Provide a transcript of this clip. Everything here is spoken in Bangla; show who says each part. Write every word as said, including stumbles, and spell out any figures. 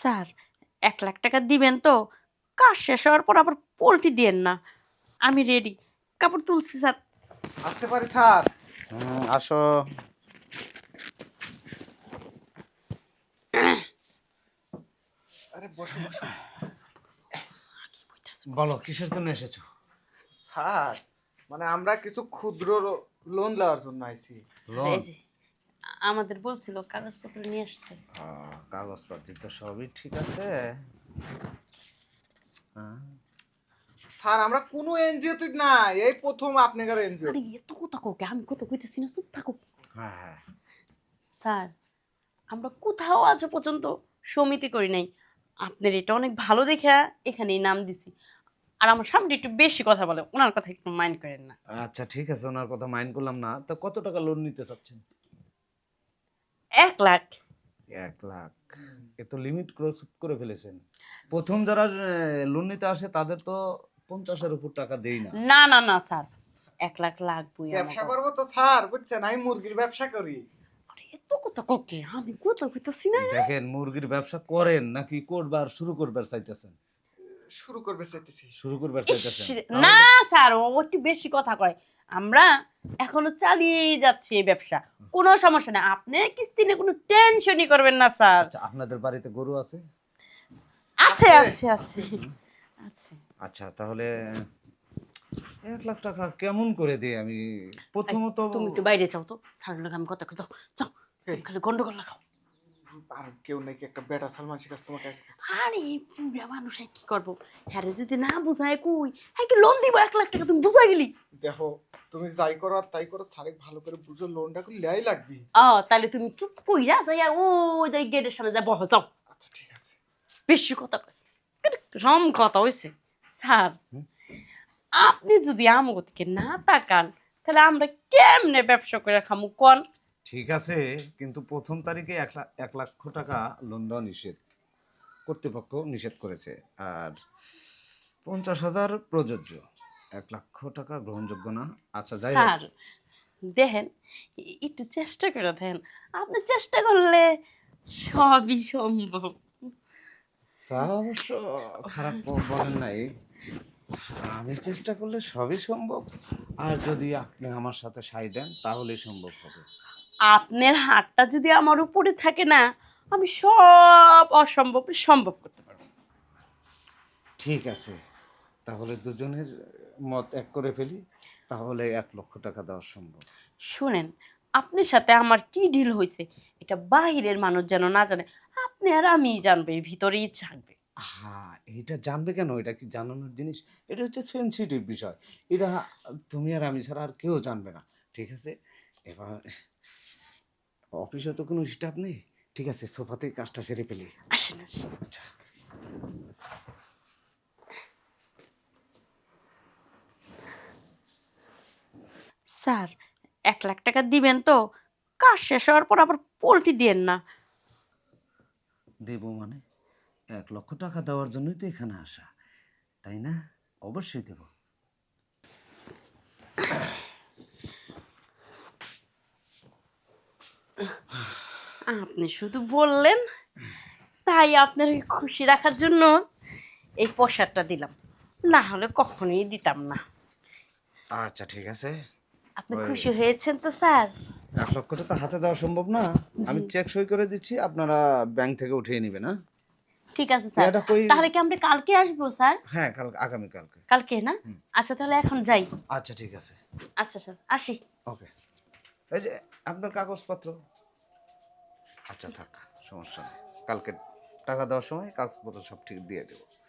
Speaker 1: স্যার, এক লাখ টাকা দিবেন তো? কাজ শেষ হওয়ার পর আবার পোল্টি দিয়েন না। আমি রেডি। কাপড় তুলছি স্যার।
Speaker 2: আসতে পারি স্যার?
Speaker 3: হুম, আসো।
Speaker 2: আরে বসো বসো।
Speaker 3: বলো কিসের জন্য এসেছো?
Speaker 2: স্যার, মানে আমরা কিছু ক্ষুদ্র লোন নেওয়ার জন্য আইছি।
Speaker 1: স্যার, এই যে আমাদের বলছিল কাগজপত্র নিয়ে আসতে।
Speaker 3: কাগজপত্র তো সবই ঠিক আছে। হ্যাঁ,
Speaker 2: স্যার, আমরা কোনো এনজিওতে না, এই প্রথম আপনাদের এনজিও।
Speaker 1: আরে এত কথা কোকে, আমি কত কইতেছি না, চুপ থাকো।
Speaker 3: হ্যাঁ হ্যাঁ।
Speaker 1: স্যার, আমরা কোথাও আজ পর্যন্ত সমিতি করি নাই। আপনার এটা অনেক ভালো দেখে এখানেই নাম দিছি। আর আমার সামনে একটু বেশি কথা বলে, ওনার কথা একটু মাইন্ড করেন না।
Speaker 3: আচ্ছা ঠিক আছে, ওনার কথা মাইন্ড করলাম না। তো কত টাকা লোন নিতে চাচ্ছেন?
Speaker 1: এক লাখ।
Speaker 3: এক লাখ? এ তো লিমিট ক্রস করে ফেলেছেন। প্রথম যারা লোন নিতে আসে তাদের তো পঞ্চাশের উপর টাকা দেই না।
Speaker 1: না না না স্যার, এক লাখ লাগবই
Speaker 2: ব্যবসা
Speaker 1: আমাকে।
Speaker 2: করবো তো স্যার, বুঝছেন, আমি মুরগির ব্যবসা করি।
Speaker 1: আরে এত কথা কোকে, আমি কথা কইতাছি না।
Speaker 3: দেখেন, মুরগির ব্যবসা করেন নাকি করবার শুরু করবার চাইতেছেন?
Speaker 2: শুরু করবে চাইতেছি।
Speaker 3: শুরু করবার
Speaker 1: ইস,
Speaker 3: চাইতেছেন?
Speaker 1: না স্যার, ও একটু বেশি কথা কয়। আমরা এখনো চালিয়ে যাচ্ছি এই ব্যবসা, কোনো সমস্যা নেই। আপনি কিস্তি নিয়ে কোনো টেনশনই করবেন না স্যার।
Speaker 3: আচ্ছা, আপনাদের বাড়িতে গরু আছে?
Speaker 1: আছে
Speaker 2: আছে?
Speaker 1: আছে আছে আছে।
Speaker 3: আচ্ছা, তাহলে এক লাখ টাকা কেমন করে দিই আমি? প্রথমত
Speaker 1: তুমি একটু বাইরে যাও তো, স্যার লোক আমি কথা কই, যাও যাও। তুমি খালি গন্ডগোল লাগাও।
Speaker 2: আর কেউ নাকি একটা বেটা সালমান শিকাস তোমাকে।
Speaker 1: আরে বুড়া মানুষ কি করবো? হ্যাঁ রে, যদি না বুঝায় কই, হ্যাঁ কি লোন দিব এক লাখ টাকা, তুমি বুঝা গেলি?
Speaker 2: দেখো, তুমি যাই করো আর তাই করো, স্যারে ভালো করে বুঝো, লোনটা করে লেয়াই লাগবে।
Speaker 1: ও তাহলে তুমি চুপ কইরা যাইয়া ওই যে গেটের সামনে যা বহ, যাও।
Speaker 2: আচ্ছা ঠিক আছে।
Speaker 1: বেশি কথা কয়, রম কথা হইছে। স্যার, আপনি যদি আমগো থেকে না তাকান, তাহলে আমরা কেমনে ব্যবসা করে খামু কোন?
Speaker 3: ঠিক আছে, কিন্তু প্রথম তারিখে এক লাখ এক লক্ষ টাকা লোন দেওয়া নিষেধ, কর্তৃপক্ষ নিষেধ করেছে। আর পঞ্চাশ হাজার প্রযোজ্য, এক লক্ষ টাকা গ্রহণযোগ্য না। আচ্ছা যাই হোক।
Speaker 1: স্যার দেখেন, এ- একটু চেষ্টা করে দেখেন। আপনি চেষ্টা করলে সবই সম্ভব।
Speaker 3: তা অবশ্য খারাপ ব- বলেন নাই। আমি চেষ্টা করলে সবই সম্ভব। আর যদি আপনি আমার সাথে সাই দেন তাহলেই সম্ভব হবে।
Speaker 1: আপনার হাতটা যদি আমার উপরে থাকে না, আমি সব অসম্ভব সম্ভব করতে পারবো।
Speaker 3: ঠিক আছে, তাহলে দুজনের মত এক করে ফেলি, তাহলে এক লক্ষ টাকা দেওয়া সম্ভব।
Speaker 1: শুনেন, আপনার সাথে আমার কি ডিল হয়েছে এটা বাহিরের মানুষ যেন না জানে। আপনি আর আমি জানবে, এর ভিতরেই থাকবে।
Speaker 3: হ্যাঁ, এটা জানবে কেন? এটা কি জানানোর জিনিস? এটা হচ্ছে সেনসিটিভ বিষয়। এটা তুমি আর আমি ছাড়া আর কেউ জানবে না। ঠিক আছে? এবার অফিসে তো কোনো স্টাফ নেই। ঠিক আছে, সোফাতেই কাজটা সেরে ফেলি।
Speaker 1: আসেন আসেন।
Speaker 3: আচ্ছা।
Speaker 1: স্যার, এক লাখ টাকা দিবেন তো? কাজ শেষ হওয়ার পর আবার পোল্টি দিয়েন না।
Speaker 3: দেবো মানে? এক লক্ষ টাকা দেওয়ার জন্যই তো এখানে আসা, তাই না? অবশ্যই দেবো।
Speaker 1: আপনি শুধু বললেন, তাই আপনাকে খুশি রাখার জন্য এই পোশাকটা দিলাম, না হলে কখনোই দিতাম না।
Speaker 3: আচ্ছা ঠিক আছে।
Speaker 1: আপনি
Speaker 3: ওই
Speaker 1: খুশি হয়েছেন তো স্যার?
Speaker 3: এক লক্ষ টাকা হাতে দেওয়া সম্ভব না। আমি চেক সই করে দিচ্ছি, আপনারা ব্যাংক থেকে উঠিয়ে নেবেন। হ্যাঁ,
Speaker 1: ঠিক আছে স্যার।
Speaker 3: এটা কই?
Speaker 1: তাহলে কি আমরা কালকে আসবো স্যার?
Speaker 3: হ্যাঁ, কাল আগামীকালকে।
Speaker 1: কালকে না? আচ্ছা তাহলে এখন যাই।
Speaker 3: আচ্ছা ঠিক আছে।
Speaker 1: আচ্ছা স্যার, আসি।
Speaker 3: ওকে। এই যে আপনার কাগজপত্র। আচ্ছা থাক, সমস্যা নেই। কালকে টাকা দেওয়ার সময় কাগজপত্র সব ঠিক দিয়ে দেবো।